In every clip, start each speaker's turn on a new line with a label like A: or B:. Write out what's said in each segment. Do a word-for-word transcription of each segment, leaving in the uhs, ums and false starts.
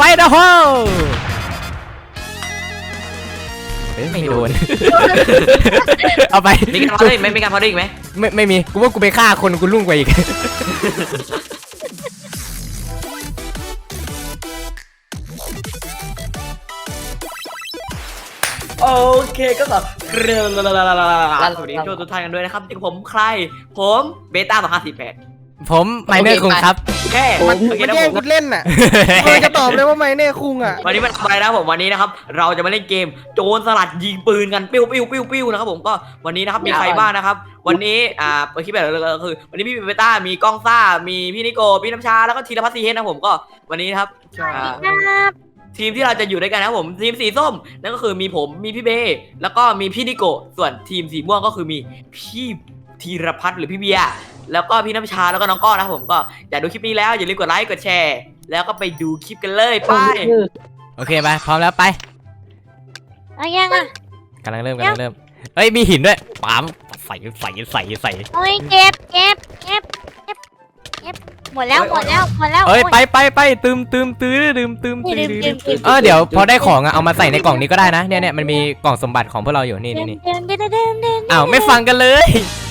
A: เดอร์โฮไม่โดนเอาไป
B: มีการพอดอีกไหมมีการพอดอีกไหม
A: ไม่ไม่มีกูว่ากูไปฆ่าคนกูลุ่งกว่าอีก
B: โอเคก็ขอเรื่องสวัสดีทุกทุกท่านกันด้วยนะครับที่ผมใครผมเบต้าสองห้าสี่แปด
A: ผมไมเนอร์คุงครับ
B: แค่
C: มันมันแย่งกูเล่นน่ะมันจะตอบเลยว่าไมเนอร์คุงอ่ะ
B: วันนี้มันทำอะไรนะผมวันนี้นะครับเราจะมาเล่นเกมโจรสลัดยิงปืนกันปิ้วปิ้วปิ้วปิ้วนะครับผมก็วันนี้นะครับมีใครบ้างนะครับวันนี้อ่าเปิดคลิปแบบก็คือวันนี้พี่เบต้ามีก้องซ่ามีพี่นิโก้พี่น้ำชาแล้วก็ธีรพัฒน์ซีเฮดนะผมก็วันนี้นะครับทีมที่เราจะอยู่ด้วยกันนะครับผมทีมสีส้มนั่นก็คือมีผมมีพี่เบแล้วก็มีพี่นิโก้ส่วนทีมสีม่วงก็คือมีพี่ธีรพัฒน์หรือพี่เบียร์แล้วก็พี่น้ำชาแล้วก็น้องก้อนนะครับผมก็อยากดูคลิปนี้แล้วอย่าลืมกดไลค์กดแชร์แล้วก็ไปดูคลิปกันเลยไป
A: โอเคไปพร้อมแล้วไป
D: เอายังอ่ะ
A: กำลังเริ่มกำลังเริ่มเอ้ยมีหินด้วยปั๊มใส่ใส่ใส่ใส่
D: โอ้ยเก็บเก็บเก็บเก็บเก็บหมดแล้วหมดแล้วหมดแล้ว
A: เอ้ยไปไปไปตืมตืมตื้อตืมตืมตื้อเออเดี๋ยวพอได้ของอะเอามาใส่ในกล่องนี้ก็ได้นะเนี่ยเนี่ยมันมีกล่องสมบัติของพวกเราอยู่นี่นี่นี่อ้าวไม่ฟังกันเลย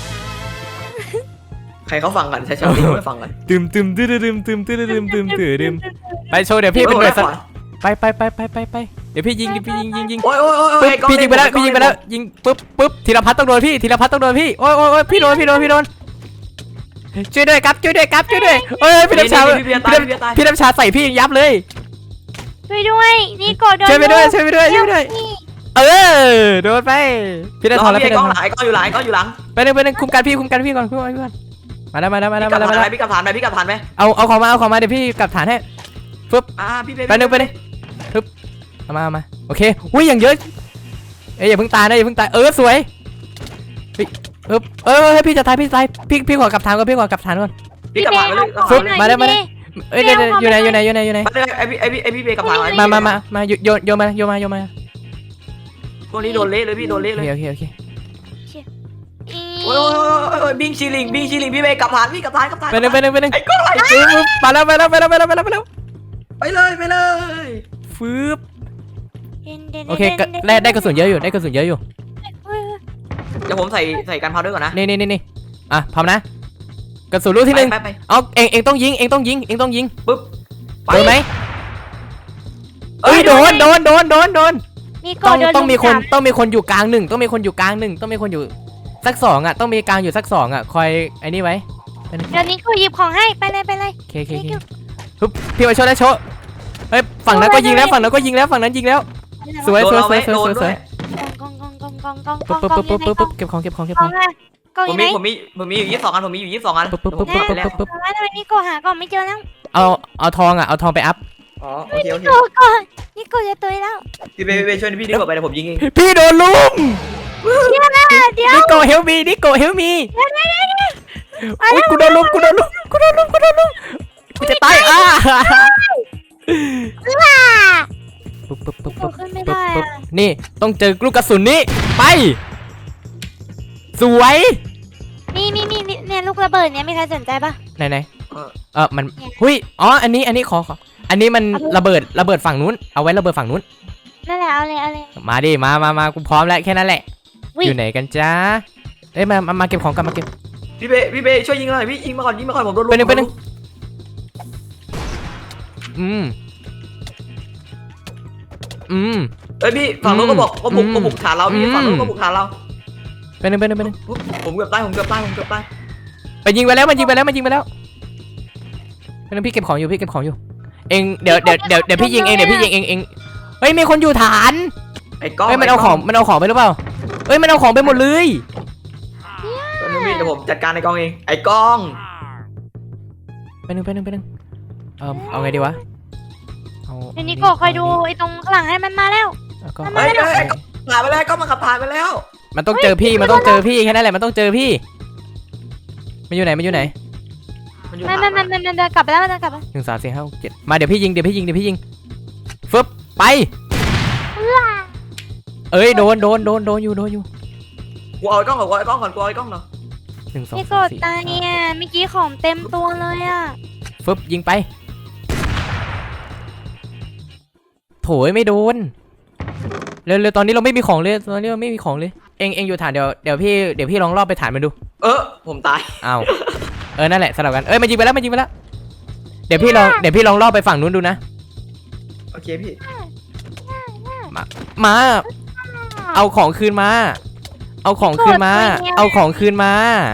B: ใครเขาฟังกันใช่ใช่ที่ไม่ฟังกัน
A: ตืมตืมตื้อตืมตืมตื้อตืมตืมตื้อตืมไปโชว์เดี๋ยวพี่เป็นหน่วยสัตว์ไปไปไปไปไปไปเดี๋ยวพี่ยิงเดี๋ยวพี่ยิงยิงยิง
B: โอ้ยโอ้ยโอ้ย
A: พี่ยิงไปแล้วพี่ยิงไปแล้วยิงปุ๊บปุ๊บธีรพัฒน์ต้องโดนพี่ธีรพัฒน์ต้องโดนพี่โอ้ยโอ้ยพี่โดนพี่โดนพี่โดนช่วยด้วยครับช่วยด้วยครับช่วยด้วยเอ้ยพี่น้ำชาพี่น้ำชาใส่พี่ยับเลย
D: ช่วยด้วยนี่กดโดน
A: ช่วยไปด้วยช่วยไปด้วยช่วยไปด้วยเออโดนไปพี่ได้ทอนแล้วพี่
B: ได้ทอนหลายก็อยู่หลังก็อยู่หลัง
A: ไปเลยไปเลยคุมการพี่คุมการพี่ก่อนคุมการพี่ก่อนมาแล้วมาแล้วมาแล้วมาแล้วมาแล้ว
B: พี่กลับฐานไปพี่กลับฐานไหม
A: เอาเอาของมาเอาของมาเดี๋ยวพี่กลับฐานให้ฟึบ
B: อ่าพี่
A: ไปนึงไปนึงฟึบเอามาเอามาโอเคอุ้ยอย่างเยอะเอ้ยอย่าเพิ่งตายนะอย่าเพิ่งตายเออสวยเออเออให้พี่จะตายพี่ตายพี่พี่ขอกลับฐานก่อนพี่ขอกลับฐานก่อน
B: พี่กลับฐานไปเลย
A: ฟึบมาได้มาได้เอ้ยเดี๋ยวอยู่ไหนอยู่ไหนอยู่ไหนอยู่ไหน
B: ไอพี่ไอพี่ไอพี่เบย์กลับฐาน
A: มามามามาโยนโยนมาโยนมาโยนมา
B: พวกนี้โดนเละเลยพี่โดนเละเลย
A: โอเคโอเค
B: โอ้ยโอ้ยบิงชิลิงบิงชิลิงพี่เบย์กลับฐานพี่กลับฐานกลับฐาน
A: ไปหนึ่งไปหนึ่งไปหนึ่ง
B: ไอ้ก้อนอะไร
A: มาแล้วไปแล้วไปแล้วไปแล้วไปแล้วไปแล้ว
B: ไปเลยไปเลย
A: ฟืบโอเคได้ได้กระสุนเยอะอยู่ได้กระสุนเยอะอยู่
B: เดี๋ยวผมใส่ใส่กันพาวด้วยก่อนนะ
A: นี่นี่นี่นี่อ่ะพร้อมนะกระสุนลูกที่หนึ่งเอาเองเองต้องยิงเองต้องยิงเองต้องยิง
B: ปุ๊บ
A: โดนไหมเอ้ยโดนโดนโดนโดนโดนต้องต้องมีคนต้องมีคนอยู่กลางหนึ่งต้องมีคนอยู่กลางหนึ่งต้องมีคนอยู่สักสองอ่ะต้องมีกลางอยู่สักสองอ่ะคอยไอ้นี่ไว้
D: เดี๋ยวนี้กูหยิบของให้ไปเลยไปเลย
A: โอเคโอเคฮึบพี่มาโชว์ได้โชว์เฮ้ยฝั่งนั้นก็ยิงแล้วฝั่งนั้นก็ยิงแล้วฝั่งนั้นยิงแล้วสวยสวยสวยสวยสวยสวย
D: กองกองกองกองกองกอง
A: ปุ๊บปุ๊บปุ๊บปุ๊บปุ๊บเก็บของเก็บของเก็บของ
B: ผมมีผมมีผมมีอยู่ยี่สิบสองอันผมมีอยู่ยี่สิบสองอัน
A: ปุ๊บปุ๊บปุ๊บปุ๊บปุ๊บปุ๊บ
D: แล้วทำไมนี่กูหาก่อนไม่เจอแล้ว
A: เอาเอาทองอ่ะเอาทองไปอัพ
B: อ๋อโอเคโอเค
D: ก่อนนี่กูจะตุยแล้ว
B: พี่เบย์เบย์ช่วยพี่ดีกว่าไปเดี๋ยวผมยิงเอง
A: พี่โดนลุม
D: เดี๋ยวนะเดี๋ยว
A: นิโก้เฮลมีนิโก้เฮลมีอุ้ยกูโดนลุมกูโดนลุมกูโดนลุมกูโดนลุมกูจะตายอ่ะปุ๊บปุ๊บปุ๊บปุ๊บปุ๊บนี่ต้องเจอลูกกระสุนนี้ไปสวย
D: นี่นี่นี่เนี่ยลูกระเบิดเนี่ยมีใครสนใจปะ
A: ไหนไหนเออมันหุ้ยอ๋ออันนี้อันนี้ขอขออันนี้มันระเบิดระเบิดฝั่งนู้นเอาไว้ระเบิดฝั่งนู้น
D: นั่นแหละเอาเลยเอาเลย
A: มาดิมามามากูพร้อมแล้วแค่นั้นแหละอยู่ไหนกันจ้าเอ้ยมามาเก็บของกันมาเก็บ
B: พี่เบย์พี่เบย์ช่วยยิงหน่อยพี่ยิงมาก่อนยิงมาก่อนผมโดนลุม
A: ไปหนึ่งไปหนึ่งอืมอืม
B: เอ้ยพี่ฝั่งนู้นก็บอกก็บุกก็บุกฐานเราพี่ฝั่งนู้นก็บุกฐานเรา
A: ไปหนึ่งไปหนึ่งไปหนึ่ง
B: ผมเกือบตายผมเกือบตายผมเกือบตาย
A: ไปยิงไปแล้วมันยิงไปแล้วมันยิงไปแล้วไปหนึ่งพี่เก็บของอยู่พี่เก็บของอยู่เองเดี๋ยวเดี๋ยวเดี๋ยวเดี๋ยวพี่ยิงเองเดี๋ยวพี่ยิงเองเองเฮ้ยมีคนอยู่ฐาน
B: ไอ้ก้อง
A: เฮ้ยมันเอาของมันเอาของไปหรือเปล่าเฮ้ยมันเอาของไปหมดเลย
B: ตอนนี้พี่เดี๋ยวผมจัดการไอ้ก้องเองไอ้ก้อง
A: ไปหนึ่งไปหนึ่งไปหนึ่งเออเอาไงดีวะ
D: เดี๋ยวนี้ก็คอยดูไอ้ตรงข้างหลังให้มันมาแล้ว
B: เฮ้ยไอ้ผ่านไปแล้วก็มันขับผ่านไปแล้ว
A: มันต้องเจอพี่มันต้องเจอพี่แค่นั้นแหละมันต้องเจอพี่มันอยู่ไหนมันอยู่ไหน
D: มันมันมันมันเดินกลับไปแล้วมันเดินกลับไป
A: หนึ่งสามสี่ห้าเจ็ดมาเดี๋ยวพี่ยิงเดี๋ยวพี่ยิงเดี๋ยวพี่ยิงฟึบไปเอ้ยโดนโดนโดนโดนอยู่โดนอยู่
B: กูเอาไอ้กล้องก่อนกูเอาไอ้กล้องก่อนกูเอาไอ้กล้องเนาะ
A: หนึ่งสอง
D: สามสี่ตายเนี่ยเมื่อกี้ของเต็มตัวเลยอ่ะ
A: ฟึบยิงไปโถยไม่โดนเร็วเร็วตอนนี้เราไม่มีของเลยตอนนี้เราไม่มีของเลยเองเองอยู่ฐานเดี๋ยวเดี๋ยวพี่เดี๋ยวพี่ลองรอบไปฐานมันดู
B: เออผมตาย
A: อ้าวเออนั่นแหละสลับกันเอ้ยมันยิงไปแล้วมันยิงไปแล้วเดี๋ยวพี่ลองเดี๋ยวพี่ลองรอบไปฝั่งนู้นดูนะ
B: โอเคพี่
A: มาเอาของคืนมา เอาของคืนมา เอาของคืนมา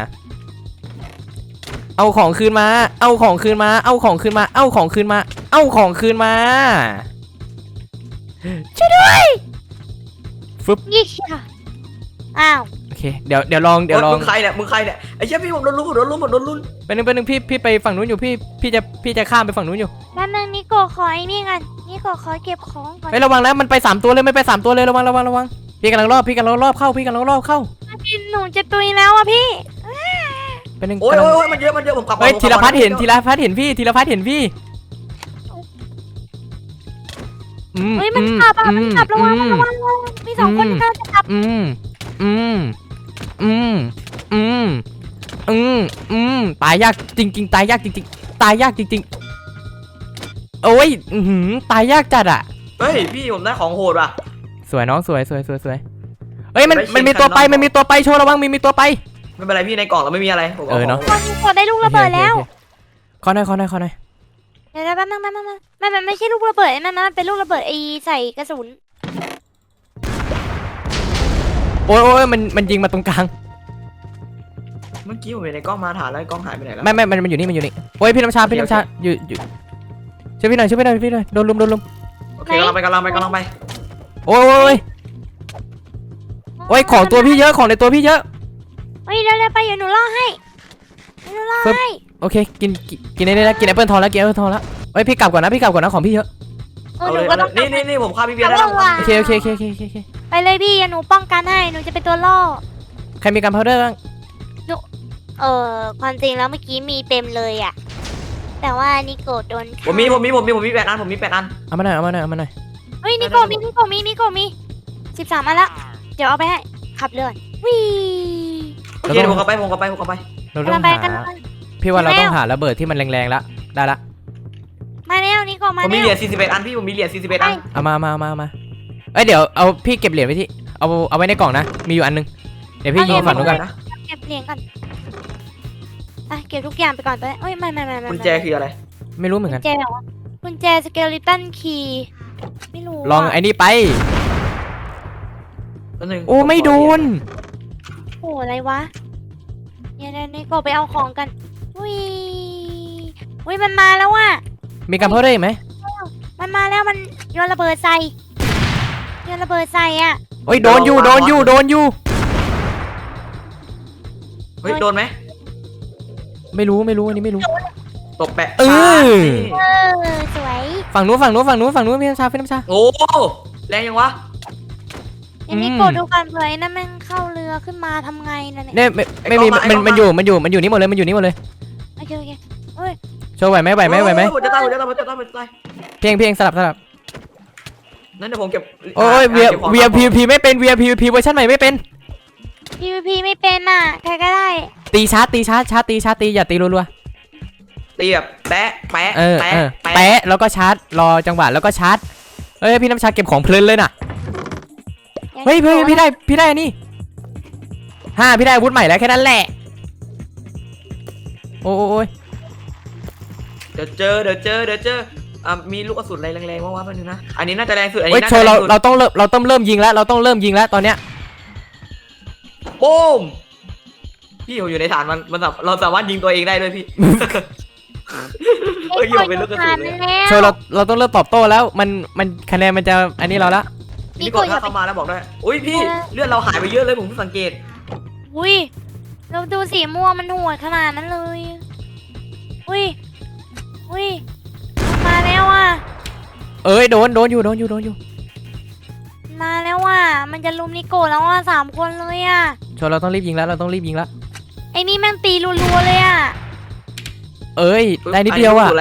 A: เอาของคืนมา เอาของคืนมา เอาของคืนมา เอาของคืนมา เอาของคืนมาช่วยด้วยฟึบ
D: ยี่ค่ะอ้าว
A: โอเคเดี๋ยวเดี๋ยวลองเดี๋ยวลอง
B: มึงใครเนี่ยมึงใครเนี่ยไอ้เชี่ยพี่ผมโดนลุ้นผมโดนลุ้นผมโดนลุ้น
A: ไปหนึ่งไปหนึ่งพี่พี่ไปฝั่งนู้นอยู่พี่พี่จะพี่จะข้ามไปฝั่งนู้นอยู่
D: แป๊บนึงนิโกะขอไอ้นี่กันนิโกะขอเก็บของก่อน
A: ไประวังนะมันไปสามตัวเลยไม่ไปสามตัวเลยระวังระวังระวังพี่กำลังรอบพี่กำลังรอบเข้าพี่กำลังรอบเข้า
D: พี่หนูจะตุยแล้วอ่ะพี่
A: ไปหนึ่ง
B: โอ้ย
A: กำลัง
B: โอ้ยมันเยอะมันเยอะผมกลับ
A: เฮ้ยธีรพัฒน์เห็นธีรพัฒน์เห็นพี่ธีรพัฒน์เห็นพี่อืม
D: เฮ้ยมัน
A: อื
D: ขับอ่ะมันขับระวัง
A: อืม
D: ระวังระวังมีสองคน
A: อืม
D: ที่น่าจะขับ
A: อืมอืมอืมอืมอืมอืมตายยากจริงๆตายยากจริงๆตายยากจริงๆโอ้ยอือหือตายยากจัดอ่ะ
B: เฮ้ยพี่ผมได้ของโหดว่ะ
A: สวยน้องสวยสวยสวยสวยเฮ้ยมัน
B: ได้เช็ค
A: มันมีตัวไป
B: กันเนอะ
A: มันมีตัวไปโชว์ระวังมีมีตัวไป
B: ไม่เป็นไรพี่ในกล่องเราไม่มีอะไรผม
A: เออเนอะ
D: คนกดได้ลูกระเบิดแล้ว
A: โอเคโอเคขอหน่อยขอหน่อยขอหน่อย
D: เดี๋ยวแป๊บนึงแป๊บนึงแป๊บนึงมันมันไม่ใช่ลูกระเบิดมันมันเป็นลูกระเบิดไอใส่กระสุน
A: โอ้ยโอ้ยมันมันยิงมาตรงกลาง
B: เมื่อกี้ผมเห็นในกล้องมาถ่านแล้วกล้องหายไปไหนแล้ว
A: ไม่ไม่มันมันอยู่นี่มันอยู่นี่โอ้ยพี่น้ำชาพี่น้ำชาอยู่อยู่ช่วยพี่หน่อยช่วยพี่หน่อยพี่หน่อยโดนลุมโดนลุม
B: โอเคกำลังไปกำลังไปกำลังไป
A: โอ้ยโอ้ยโอ้ยของตัวพี่เยอะของในตัวพี่เยอะ
D: เฮ้ยเร็วๆไปเดี๋ยวหนูล่อให้เดี๋ยวหนูล่อ
A: ปึ๊บ
D: ให้
A: โอเคกินกินกินได้แล้วกินแอปเปิลทองแล้วกินแอปเปิลทองแล้วเอ้ยพี่กลับก่อนนะพี่กลับก่อนนะของพี่เยอะ
D: เออ
B: เอา
D: ห
B: เล
D: นู
B: ย
D: ก็
B: เอาเล
D: ต้อง
B: ยนี่นี่นี่ผมฆ่าพี่เบียร์ได้แล้ว
A: โอเคโอเคโอเคโอเคโอเคโอเค
D: ไปเลยพี่เดี๋ยวหนูป้องกันให้หนูจะเป็นตัวล่อ
A: ใครมีกันพาวเดอร์บ้าง
D: เออความจริงแล้วเมื่อกี้มีเต็มเลยอ่ะแต่ว่านิโกะโดนฆ่า
B: ผมมีผมมีผมมีผมมีแปดอันผมมีแปดอัน
A: เอามาหน่อยเอามาหน่อยเอามาหน่อย
D: เฮ้ยนิโกะมีนิโกะมีนิโกะมีสิบสามอันละเดี๋ยวเอาไปให้ขับเรือวิ่
B: โอเคเดี๋ยวผมกลับไปผมกลับไปผมกลับไป
A: เรา
D: กำ
A: ต้
D: ลั
A: อง
D: งไป
A: หา
D: กันไป
A: พี่ว่าเรา
D: แล้ว
A: ต้องหาระเบิดที่มันแรงๆแล้วได้ละ
D: มาแล้วนิโกะมา
B: ผมมี
D: แล้
B: เหรี
D: วย
B: ญสี่สิบเอ็ดอันพี่ผมมีเหรียญสี่สิบเอ็ดอัน
A: เอามามามามาเอ้ยเดี๋ยวเอาพี่เก็บเหรียญไว้ที่เอาเอาไว้ในกล่องนะมีอยู่อันนึงเดี๋ยวพี่ยิงฝั่งนู้นกัน
B: นะ
D: เก็บเหรียญก่อนอ่ะเก็บทุกอย่างไปก่อนไปเอ้ยไม่ไม่ไม่ไม่
B: กุญแจคืออะไร
A: ไม่รู้เหมือน
D: กุ
A: กัน
D: ญแจแบบว่ากุญแจสเกลิตันคีย์ไม่รู้
A: ลอง
D: ะ
A: ไอ้นี่ไป
B: ตัวหนึ่ง
A: โอ้ไม่โดน
D: โอ้อะไรวะเนี่ยเนี่ยนี่ก็ไปเอาของกันอุ้ยอุ้ยมันมาแล้วว่ะ
A: มีกันเพิ่มได้อีกไหม
D: มันมาแล้วมันโยนระเบิดใส่โยนระเบิดใส่อ่ะ
A: โอ้ยโดนอยู่โดนอยู่โดนอยู่
B: เฮ้ยโดนไหม
A: ไม่รู้ไม่รู้อันนี้ไม่รู้
B: ตบแปะ
A: เออ
D: เออสวย
A: ฝั่งนู้นฝั่งนู้นฝั่งนู้นฝั่งนู้นพี่น้ำชาพี่น้ำชา
B: โอ้แรงยังวะ
D: อันนี้
A: อืม
D: กดดูกันเผื่อไอ้นั่นแม่งเข้าเรือขึ้นมาทำไงนั่นเนี่ย
A: เนี่ยไม่ไม่มีมันมันอยู่มันอยู่มันอยู่นี่หมดเลยมันอยู่นี่หมดเลย
D: โอเคโอเค
A: โชว์ไหวไหมไหวไหมไหวไหม
B: ผมจะตายผมจะตายผมจะตายผมจะตาย
A: เพียงเพียงสลับสลับ
B: นั่นเดี๋ยวผมเก็บ
A: โอ้ยเวียเวียพีพีไม่เป็นเวียพีพีเวอร์ชันใหม่ไม่เป็น
D: พีพีไม่เป็นอ่ะใครก็ได้
A: ตีชาร์จตีชาร์จชาร์จตีชาร์จตีอย่าตีรัว
B: ตีแบบแปะแปะ
A: ๆเออ
B: แปะ
A: เออ
B: แปะ
A: แปะแล้วก็ชาร์จรอจังหวะแล้วก็ชาร์จเอ้ยพี่น้ำชาเก็บของเพลินเลยน่ะเฮ้ยพี่พี่ได้พี่ได้อันนี้ห้าพี่ได้อาวุธใหม่แล้วแค่นั้นแหละโอ้ย
B: เดี๋ยวเจอเดี๋ยวเจอเดี๋ยวเจออ่ะมีลูกกระสุนอะไรแรงๆว่างๆแป๊บนึงนะอันนี้น่าจะแรงสุดอัน
A: เฮ้ย
B: นี้น่า
A: โช
B: จะ
A: ว์
B: แร
A: เรา
B: งสุด
A: เราต้องเริ่มเราต้องเริ่มยิงแล้วเราต้องเริ่มยิงแล้วตอนเนี้ย
B: โป้มพี่ผมอยู่ในฐานมันมันแบบเราสามารถยิงตัวเองได้ด้วยพี่ เฮ้ยอยู่เป็นลูกกระสุนเลย
A: โชว์เราเราต้องเริ่มตอบโต้แล้วมันมันคะแนนมันจะอันนี้เราละ
B: นี่กดถ้าเข้ามาแล้วบอกด้วยอุ้ยพี่เลือดเราหายไปเยอะเลยผมเพิ่งสังเกต
D: อุ้ยเราดูสีม่วงมันโหดขนาดนั้นเลย อุ้ย อุ้ย มาแล้วอ่ะ
A: เอ้ยโดนโดนอยู่โดนอยู่โดนอยู่
D: มาแล้วอ่ะ มันจะลุมนิโกะแล้วอ่ะสามคนเลยอ่ะ
A: โชว์เราต้องรีบยิงแล้วเราต้องรีบยิงแล้ว
D: ไอ้นี่แม่งตีรัวๆเลยอ่ะ
A: เอ้ยได้นิดเดียวอ่ะ
B: นนี้ลูกกรสุนอะไร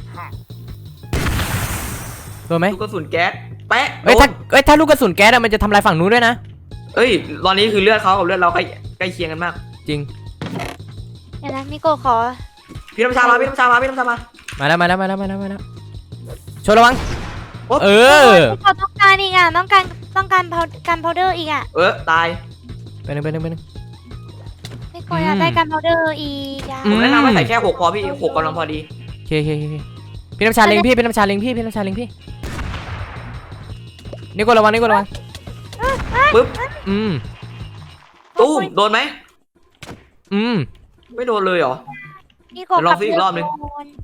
A: โดนไหม
B: ลูกกระสุนแก๊สแปะ
A: เอ้ย
B: โด
A: ถ้าน เอ้ยถ้าลูกกระสุนแก๊สอะมันจะทำลายฝั่งนู้นด้วยนะ
B: เอ้ยตอนนี้คือเลือดเขากับเลือดเราใกล้ใกล้เคียงกันมาก
A: จริง
D: เดี๋ยวนะนิโกะขอ
B: พี่น้ำชามาพี่น้ำชามาพี่น้ำชามา
A: มาแล้วมาแล้วมาแล้วมาแล้วมาแล้วโชว์ระวังเออ
D: พี่กดต้องการอีกอ่ะต้องการต้องการการพาวเดอร์อีกอ่ะ
B: เออตาย
A: ไปหนึ่งไปหนึ่งไปหนึ่ง
D: พี่กดอยากได้การพาวเดอร์อีกอ่ะ
A: อื
B: ผม มแนะนำให้ใส่แค่หกพอพี่หกกำลังพอดี
A: โอเคโอเคโอเคพี่น้ำชาเล็งพี่พี่น้ำชาเล็งพี่พี่น้ำชาเล็งพี่นี่กดระวังนี่กดระวัง
B: ปึ๊บ
A: อืม
B: ตู้มโดนไหม
A: อืม
B: ไม่โดนเลยเหรอ
D: พี่กด
B: เดี๋ยวลองซิอีกรอบนึง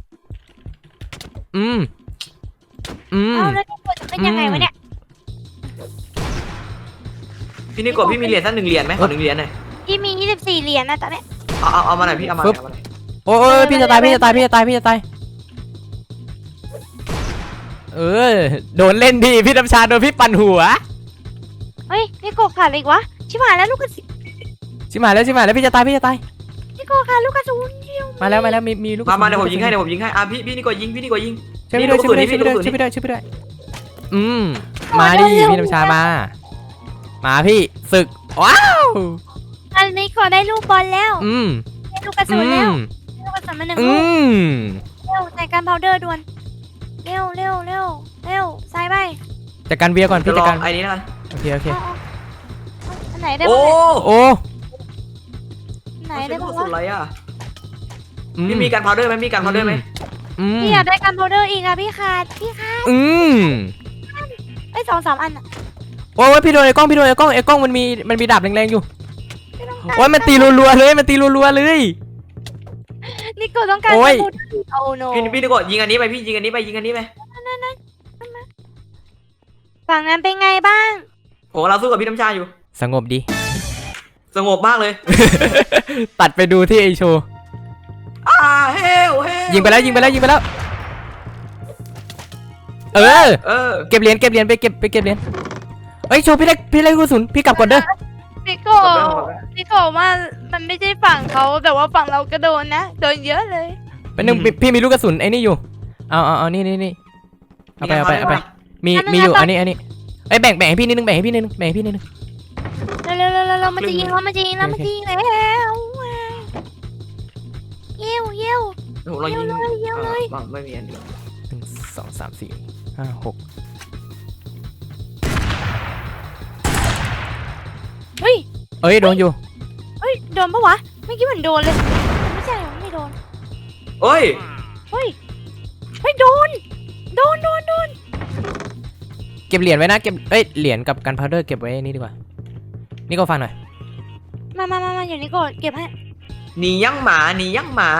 A: อืมอืม
D: เอาแล้วพี่กดจะเป็นยังไงวะเนี่ย
B: พี่นี่กดพี่มีเหรียญสักหนึ่งเหรียญไหมขอหนึ่งเหรียญหน่อย
D: พี่มียี่สิบสี่เหรียญนะตอนเนี้ย
B: เอาเอาเอามาหน่อยพี่เอามาหน่อยเอามาหน่อย
A: โอ้ยพี่จะตายพี่จะตายพี่จะตายพี่จะตายเออโดนเล่นดีพี่น้ำชาโดนพี่ปั่นหัว
D: เฮ้ยพี่กดขาดอะไรอีกวะชิบหายแล้วลูกกระสุน
A: ชิบหายแล้วชิบหายแล้วพี่จะตายพี่จะตาย
D: พี่กดขาดลูกกระสุนเดียว
A: มาแล้วมาแล้วมีมีลูก
B: มามาเดี๋ยวผมยิงให้เดี๋ยวผมยิงให้อ่ะพี่พี่นี่กดยิงพี่นี่กดยิง
A: ช่วยพี่ด้วยช่วยพี่ด้วยช่วยพี่ด้วยช่วยพี่ด้วยช่วยพี่ด้วยอืมมาดิพี่น้ำชามา มาพี่ศึกว้าว
D: อันนี้กดได้ลูกบอลแล้ว
A: อืม
D: ได้ลูกกระสุ
A: อื
D: นแล้ว
A: ม
D: ได้ลูกกระสุนมาหนึ่ง
A: อื
D: ลูก
A: ม
D: เร็วใส่การพาวเดอร์ด่วนเร็วเร็วเร็วเร็วใส่ไป
A: จัดการเบียร์ก่อน
B: จะ
A: พี่
B: ล
A: จั
B: อ
A: ด
B: ง
A: การ
B: ไอ้นี้นะ
A: โอเคโอเค
D: เอาเอาเอาอันไหนได้
B: โอ้
D: บ้างเนี่ย
A: โอ้
D: อันไหน
B: ไม่
D: ได้
B: ใช่
D: บ้าง
B: สุด
D: วะ
B: ไรอ่ะ
A: อื
B: พี่มีการพาวเดอร์ไหมมีการพาวเดอร์ไหม
A: อืม
D: พี่อยากได้การพาวเดอร์อีกอะพี่ขาดพี่ขาด
A: อืม
D: ไอ้ยสองสามอันอะ
A: โอ้ยพี่โดนไอ้กล้องพี่โดนไอ้กล้องไอ้กล้องมันมีมันมีดาบแรงๆอยู่
D: ไม่ต้องการ
A: โอ้ยมันตีรัวๆเลยมันตีรัวๆเลย
D: นี่กูต้องการ
A: โอ้ย
D: การพาวเดอร์โอ้โน
B: พี่พี่นี่กดยิงอันนี้ไปพี่ยิงอันนี้ไปยิงอันนี้ไป
D: ฝั่งนั้นเป็นไงบ้าง
B: ผมกำลังสู้กับพี่น้ำชาอยู่
A: สงบดี
B: สงบมากเลย
A: ตัดไปดูที่ไอโชว์
B: อ่าเฮลเฮล
A: ยิงไปแล้วยิงไปแล้วยิงไปแล้ว เออ
B: เออ
A: เก็บเหรียญเก็บเหรียญไปเก็บไปเก็บเหรียญเฮ้ยโชว์พี่เล็กพี่เล็กกระสุนพี่กลับก่อนเด้อ
D: พี่โกพี่โกว่ามันไม่ใช่ฝั่งเขาแต่ว่าฝั่งเราก็โดนนะโดนเยอะเลย
A: เป็นหนึ่งพี่พี่มีลูกกระสุนไอ้นี่อยู่เอาเอาเอานี่นี่นี่เอาไปเอาไปเอาไปมีมีอยู่อันนี้อันนี้ไอ้ยแบ่งแบ่งให้พี่นิดนึงแบ่งให้พี่นิดนึงแบ่งให้พี่นิดนึง
D: เร็วเร็วเร็วเร็วมันจะยิงแล้วมันจะยิงแล้วมันจะยิงแล้วเยี่ยวเยี่ยว
B: ผมลองยิง
D: เยี่ยวเลยเยี่ยวเลย
B: อ่าไม่มีอันเดียว
A: หนึ่งสองสามสี่ห้าหก
D: เฮ้ย
A: เอ้ยโดนอยู่
D: เฮ้ยโดนปะวะไม่คิดเหมือนโดนเลยไม่ใช่ไม่โดน
B: เอ้ย
D: เฮ้ยเฮ้ยโดนโดนโดนโดน
A: เก็บเหรียญไว้นะเก็บเอ้ยเหรียญกับกันพาวเดอร์เก็บไว้นี่ดีกว่านี่ก็ฟังหน่อย
D: มามามามาอยู่นี่ก่อนเก็บให้
B: หนียังหมาหนียังหมา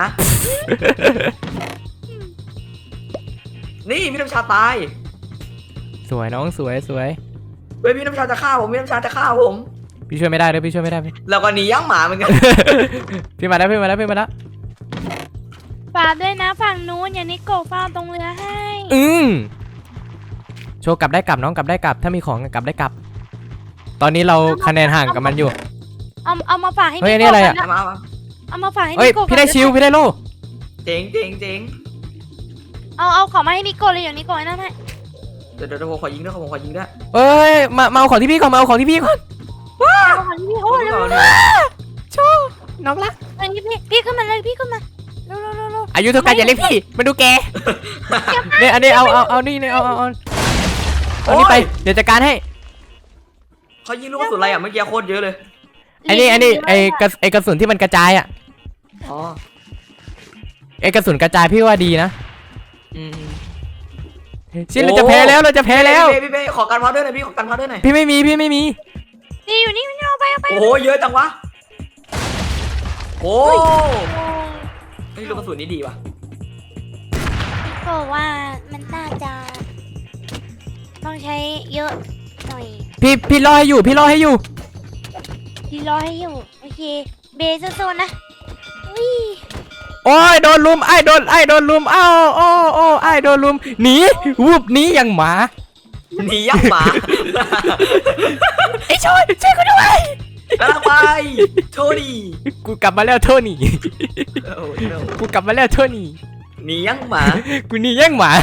B: นี่พี่น้ำชาตาย
A: สวยน้องสวยสวย
B: เฮ้ยพี่น้ำชาจะฆ่าผมพี่น้ำชาจะฆ่าผม
A: พี่ช่วยไม่ได้เลยพี่ช่วยไม่ได้พี่
B: แล้วก็หนียังหมาเหมือนกัน
A: พี่มาแล้วพี่มาแล้วพี่มาแล้ว
D: ฝากด้วยนะฝั่งนู้นอย่างนี้โกฟ้าตรงเรือให้
A: อืมโชว์กลับได้กลับน้องกลับได้กลับถ้ามีของกลับได้กลับ ตอนนี้เราคะแนนห่างกับมันอยู่
D: เอาเอามาฝากให้
A: เฮ้ย
D: พี่
A: อันนี้อะไรอะ
D: โกก่น
B: มามา
D: เอามาฝากให้
A: เฮ้ย
D: พี่โก
A: พี่ได้ชิวพี่ได้โล่
B: เจ๋งเจ๋งเจ๋ง
D: เอาเอาของมาให้นิโกเลยอย่างนิโกไอ้นั่นให้
B: เดี๋ยวเดี๋ยวผมขอยิงด้วยผมขอยิงด้วย
A: เอ้ยมามาเอาของที่พี่ก่อนมาเอาของที่พี่ก่อน
D: เอาของที่พี่โอ้เร็ว
B: ก่อน
A: โชว์น้องรัก
D: ๆเร็วๆพี่พี่ขึ้นมาเลยพี่ขึ้นมาเร็วเร็วเร็วเร็ว
A: อายุเท่ากันอย่าเรียกพี่มาดูแกเนี่ยอันนี้เอาเอาเอานี่เนี่ยเอาเอาเอาเอานี่ไปเดี๋ยวจัดการให้
B: เขายิงลูกกระสุนอะไรอ่ะเมื่อกี้โคตรเยอะเลย
A: ไอ้นี่ไอ้นี่ไอ้กระไอ้กระสุนที่มันกระจายอ่ะ
B: อ๋อ
A: ไอ้กระสุนกระจายพี่ว่าดีนะ
B: อืม
A: ชินเราจะแพ้แล้วเราจะแพ้แล้ว
B: พี่พี่พี่ขอการพาวเดอร์หน่อยพี่ขอการพาวเดอร์หน่อย
A: พี่ไม่มีพี่ไม่มี
D: นี่อยู่นี่เอาไปเอาไป
B: โอ้โหเยอะจังวะโอ้
D: โอ้
B: เฮ้ยลูกกระสุนนี้ดีว่ะ
D: นิโกว่ามันน่าจะต้องใช้เยอะหน่อย
A: พี่พี่รอให้อยู่พี่รอให้อยู่
D: พี่รอให้อยู่โอเคเบสโซนนะอุ้ย
A: โอ้ยโดนลุมไอ้โดนไอ้โดนลุมอ้าวโอ้โอ้ไอ้โดนลุมหนีวูบหนีอย่างหมา
B: หนียักษ์หมา
A: ไอ้ช่วยช่วยกูด้วย
B: กำลังไปโทษดี
A: กูกลับมาแล้วโทนี่
B: โอ้โห
A: กูกลับมาแล้วโทนี่
B: หนียักษ์หมา
A: กูหนีแย่งหมา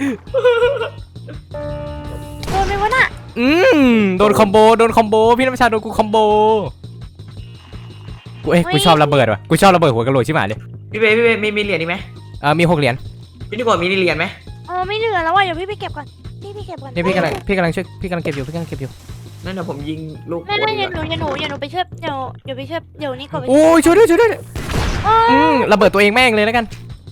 D: โดนไหมวะน่ะ
A: อืมโดนคอมโบโดนคอมโบพี่น้ำชาโดนกูคอมโบกูเอ้ยกูชอบระเบิดว่ะกูชอบระเบิดหัวกะโหลกชิบหายเลย
B: พี่เบย์พี่เบย์มีมีเหรียญอีกไหม
A: เออมีหกเหรียญ
B: พี่นิโกะมีเหรียญไหม
D: เออไม่เหลือแล้วว่ะเดี๋ยวพี่ไปเก็บก่อนพี่พี่เก็บก่อน
A: นี่พี่กำลังพี่กำลังช่วยพี่กำลังเก็บอยู่พี่กำลังเก็บอยู่
B: นั่นนะผมยิงลูก
D: ไม่ไม่เดี๋ยวหนูเดี๋ยวหนูเดี๋ยวหนูไปช่วยเดี๋ยวเดี๋ยวไปช่วยเดี๋ยวนี้ก่อนไป
A: โอ้ยช่วยด้วยช่วยด้วย
D: โอ้
A: อืมระเบิดตัวเองแม่งเลยแล้วกัน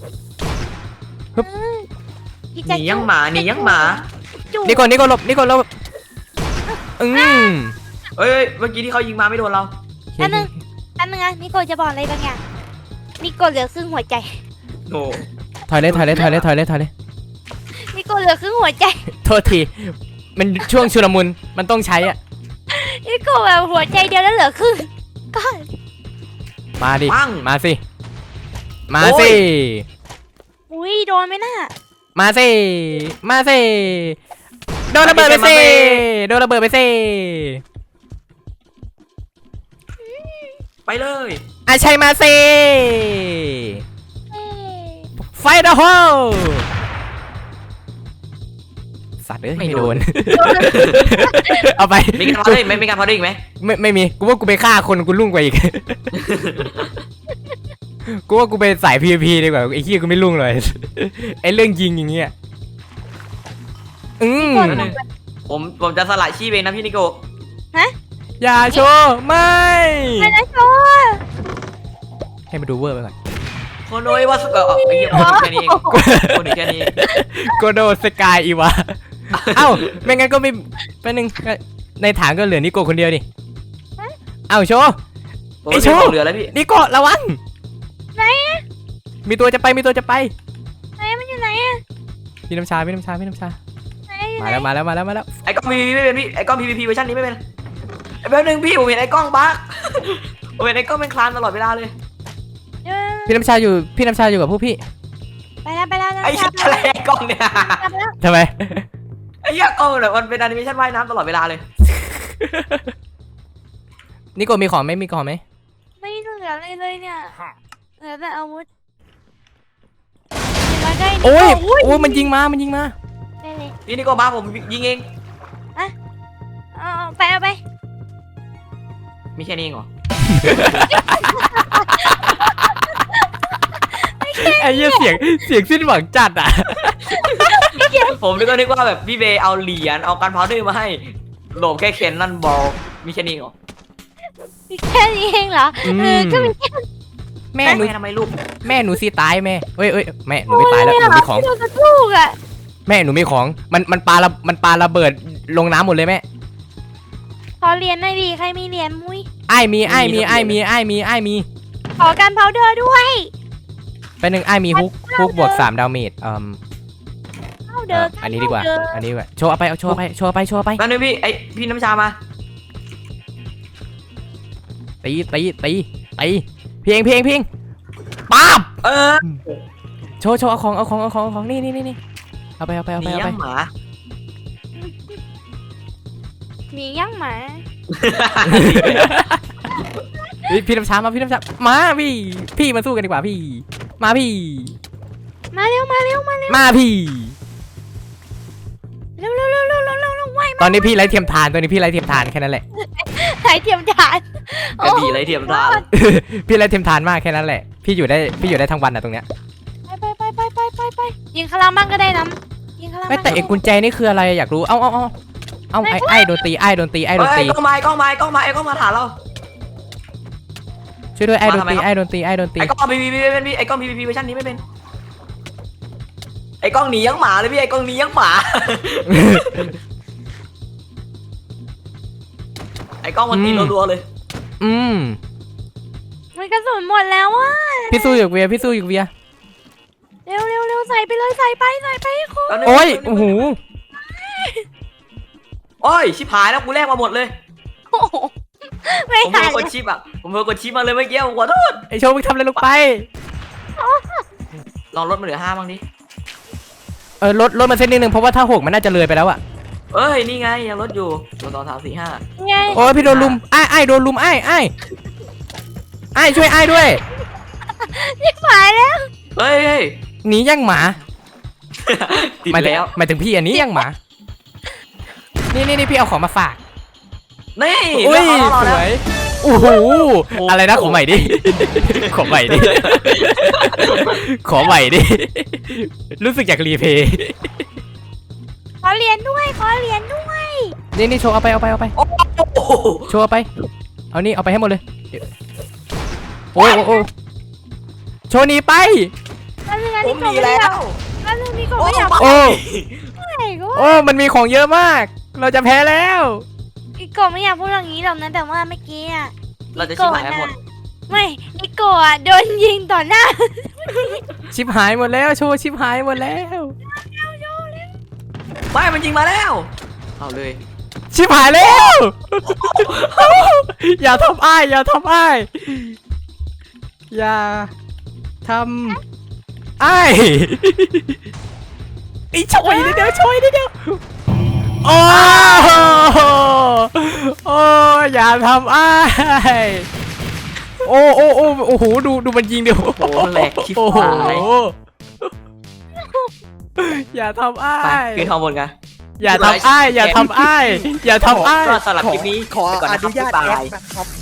D: พี่
B: ห
D: แจ็ค
B: นียังหมาหนียังหมา
D: จู่
A: นี่ก่อนนี่ก่อนหลบนี่ก่อนหลบอืม
B: เอ้ยเมื่อกี้ที่เขายิงมาไม่โดนเรา
D: อันนึงอันนึงอะนิโกจะบอกอะไรบางอย่างนิโกเหลือครึ่งหัวใจ
B: โอ้
A: ถอยเลยถอยเลยถอยเลยถอยเลยถอยเลย
D: นิโกเหลือครึ่งหัวใจ
A: โทษทีมันช่วงชุลมุนมันต้องใช้อ่ะ
D: นิโกแบบหัวใจเดียวแล้วเหลือครึ่งก็
A: มาดิ
B: ปัง
A: มาสิมา
B: โอ้
A: สิ
B: ย
D: อุ้ยโดนไหมน่ะ
A: มาสิมาสิโดนระเบิดไปสิโดนระเบิดไปสิ
B: ไปเลย
A: อาชัยมาสิ
D: เอ้ย
A: ไฟเดอะโฮสัตว์เอ้ยไม่โดน เอาไป
B: มีการพอได้อีกไหมมีการพอได้อีกไหม
A: ไม่ไม่มีกูว่ากูไปฆ่าคนกูรุ่งกว่าอีก กูว่ากูไปสาย พี วี พี ดีกว่าไอ้ขี้ยกูไม่รุ่งเลย ไอ้เรื่องยิงอย่างเงี้ยอืม
D: ก่อนลงไป
B: ผมผมจะสละชีพเองนะพี่นิโก
A: อย่าโชว์ไม่
D: ไปนะโชว์
A: ให้มาดูเวอร์ไปก่อน
B: โคโนยว่าสเกอร์ไอ้เหี้ยคนแค่นี้เองคนแค่นี้
A: โกโดสกายอีวะ เอ้าไม่งั้นก็ไม่เป็นหนึ่งในฐานก็เหลือนิโกคนเดียวดิเอ้าโชว์
B: ผม
A: ไอ้
B: ไม่
A: โชว์
B: มีของเหลือแล้วพี่
A: นิโกระวัง
D: ไหนอะ
A: มีตัวจะไปมีตัวจะไป
D: ไหนมันอยู่ไหนอะ
A: พี่น้ำชาพี่น้ำชาพี่น้ำชา
D: ไหนอยู่
A: มา
D: ไหน
A: แล้วมาแล้วมาแล้วมาแล้ว
B: ไอ้กล้อง พี วี พี ไม่เป็นพี่ไอ้กล้อง พี วี พี เวอร์ชันนี้ไม่เป็นไอ้แป๊บนึงพี่ผมเห็นไอ้กล้องบั๊ก ผมเห็นไอ้กล้องเป็นคลานตลอดเวลาเลย
D: เดี๋ยว
A: พี่น้ำชาอยู่พี่น้ำชาอยู่กับพวกพี่
D: ไปแล้วไปแล้ว
B: ไอ้
D: ไป
B: เหี้ย
D: แล้ว
B: อะไรไอ้กล้องเนี่ย
D: ไปแล้ว
A: ทำไม
B: ไอ้เหี้ยกล้องเนี่ยมันเป็นแอนิเมชันว่ายน้ำตลอดเวลาเลย
A: นิโกมีของไหมมีของไหม
D: ไม่เหลืออะไรเลยเนี่ยเหลือแต่อาวุธมาได้นิโก้
A: โอ้ย
D: อุ้ย
A: โอ้ยมันยิงมามันยิงมา
D: ได้เลย
B: พี่นิโกมาผมยิงเอง
D: เอาเอาไปเอาไป
B: มีแค่นี้เองเหรอ
A: ไอ้เหี้ยเสียงเสียงสิ้นหวังจัดอ่ะ
B: ผมนึกว่านึกว่าแบบพี่เบย์เอาเหรียญเอาการพาวเดอร์มาให้โหลบแค่เคนนั่นบอลมีแค่นี้เหรอ
D: มีแค่นี้เองเหรอ
A: อืม
D: เออก็มีแค่
A: แม่
B: แม่
A: หนู
B: ทำไมลูก
A: แม่หนูสิตายแม่เอ้ยเอ้ยแม่หนูไม่ตายแล้วหนูมีของ
D: โดนกระทุกอ่ะ
A: แม่หนูมีของมันมันปาระมันปาระเบิดลงน้ำหมดเลยแม่
D: ขอเหรียญหน่อยดิใครมีเหรียญมุ้ย
A: ไอ้ายมีไอ้ายมีไอ้ายมีไอ้ายมีไอ้ายมี
D: ขอการพาวเดอร์ด้วย
A: ไปหนึ่งไอ้ายมีฮุกฮุกบวกสามดาเมจอืม
D: พาวเด
A: เอ่
D: อ
A: อ
D: ร์
A: อันนี้ดีกว่า อันนี้ดีกว่าโชว์เอาไปเอาโชว์เอาไปโชว์เอาไปโชว์เอาไป
B: แป๊บนึงพี่ไอพี่น้ำชามา
A: ตีตีตีตีเพียงเพียงเพียงป๊าบ
B: เออ
A: โชว์โชว์เอาของเอาของเอาของเอาของนี่นี่นี่นี่เอาไปเอาไปเอา
B: ห
A: ไป
B: นี
A: เอา
B: ยั
A: ไป
B: งหมา
D: หมีย่างหมา
A: เฮ้ยพี่น้ำชามาพี่น้ำชามาพี่พี่มาสู้กันดีกว่าพี่ มาพี่
D: มาเร็วมาเร็วมาเร็ว
A: มาพี่
D: เร็วเร็วเร็วเร็วเร็วเร็วเร็วไว
A: ตอนนี้พี่ไร้เทียมทานตอนนี้พี่ไร้เทียมทานแค่นั้นแหละ
D: สายเทียมจาน
B: กระบี่ไรเทียมทาน
A: พี่ไร้เทียมทานมากแค่นั้นแหละ พี่อยู่ได้พี่อยู่ได้ทั้งวันนะตรงเนี้ย
D: ไปไปไปไปไปไปยิงขลังบ้างก็ได้นะยิงขลัง
A: ไม่แต่ไอ้กุญแจนี่คืออะไรอยากรู้เอ้าเอ้าเอ้าเอ้าไอ้ไอ้โดนตีไอ้โดนตีไอ้โดน
B: เอ้
A: ตี
B: ยกล้องไม้กล้องไม้กล้องไม้ไอ้กล้องมาถามเรา
A: ช่วยด้วยไอ้โดน
B: มาทำไม
A: ตี
B: ครับ
A: ไอ้โดนตีไอ้โดนตี
B: ไอ้กล้องพีพีไม่เป็นพี่ไอ้กล้องพีพีเวอร์ชันนี้ไม่เป็นไอ้กล้องหนียังหมาเลยพี่ไอ้กล้องหนียังหมา ไอ้กล้องมันตีรัวๆเลย
A: อืม
D: มันกระสุนหมดแล้วอ่ะ
A: พี่สู้อยู่เวียพี่สู้อยู่เวีย
D: เร็วเร็วเร็วใส่ไปเลยใส่ไปใส่ไปให้ครบ
B: แป๊บนึง
A: โอ้ย
B: แป๊บนึง
A: โอ้โห
B: โอ้ยชิบหายแล้วกูแลกมาหมดเลย
D: โอ้โหไม่
B: ผมเพิ่
D: ทั
B: ง
D: น
B: กดชิปอ่ะผมเพิ่งกดชิปมาเลยเมื่อกี้ผมขอโทษ
A: ไอ้โชว์มึงทำอะไรลงไป
B: ลองลดมาเหลือห้าบ้างดิ
A: เออลดลดมาเส้นนิดนึงเพราะว่าถ้าหกมันน่าจะเลยไปแล้วอะ
B: เอ้ยนี่ไงยังลดอยู่ลดสองสามสี่ห้า
D: ไง
A: โอ้ยพี่โดนลุมไอ้ไอ้โดนลุมไอ้ไอ้ไอ้ช่วยไอ้ด้วย
D: ยิงหมายแล้ว
B: เฮ้ยเฮ้ย
A: หนีย่างหมา
B: ติด
A: หมายถึง
B: แล้ว
A: หมายถึงพี่อันนี้ย่างหมา นี่นี่นี่พี่เอาของมาฝาก
B: นี่
A: อุ้ย
B: เรื่องของ
A: ส
B: เรา
A: ว
B: แล้ว
A: ยโอ้โหอะไรนะขอใหม่ดิ ขอใหม่ดิ ขอใหม่ดิ รู้สึกอยากรีเพย์
D: ขอเหรียญด้วยขอเหรียญด้วย
A: นี่นี่โชว์เอาไปเอาไปเอาไป
B: โอ้โห
A: โชว์เอาไป เอานี่เอาไปให้หมดเลย โอ้โอ้โอ้โชว์หนีไป
D: แล้วเรื่อง
B: ผ
D: นี้
B: ม
D: ก็
B: มี
D: ไม่
B: แล้
D: อยาก
B: ว
D: แล้วเรื่องนี้ก็ไม่อยาก
A: โอ้
D: พูดอะไรก็
A: โอ้ มันมีของเยอะมาก เราจะแพ้แล้ว
D: อีโกไม่อยากพูดอย่างนี้หรอกนะแต่ว่าเมื่อกี้อ่ะ
B: เราจะชิบหายกันหมด
D: ไม่อีโกอ่ะโดนยิงต่อหน้า
A: ชิบหายหมดแล้ว โชว์ชิบหายหมดแล้ว
B: ไม่มันยิงมาแล้วเอาเลย
A: ชิบหายแล้ว อย่าทำอ้ายอย่าทำอ้ายอย่าทำอ้ายไอ้ช่วยนิดเดียวช่วยนิดเดียวโอ้โอ้อย่าทำอ้ายโอ้โอ้โอ้โอ้โหดูดูมันยิงเดียว
B: โอ้โหแหลกชิบ
A: โอ้โห
B: หาย
A: อย่าทำอ้า
B: ไป
A: ย
B: ขึ้นข้างบนกัน
A: อย่าทำอ้ายอย่าทำอ้ายอย่าทำอ้าย
B: ก็สำหรับคลิปนี้
C: ขอ
B: ไปก่อน
C: อ
B: นะครับ
C: นุญาต
B: บ๊าย
C: แอด
B: บาย
C: นะครับ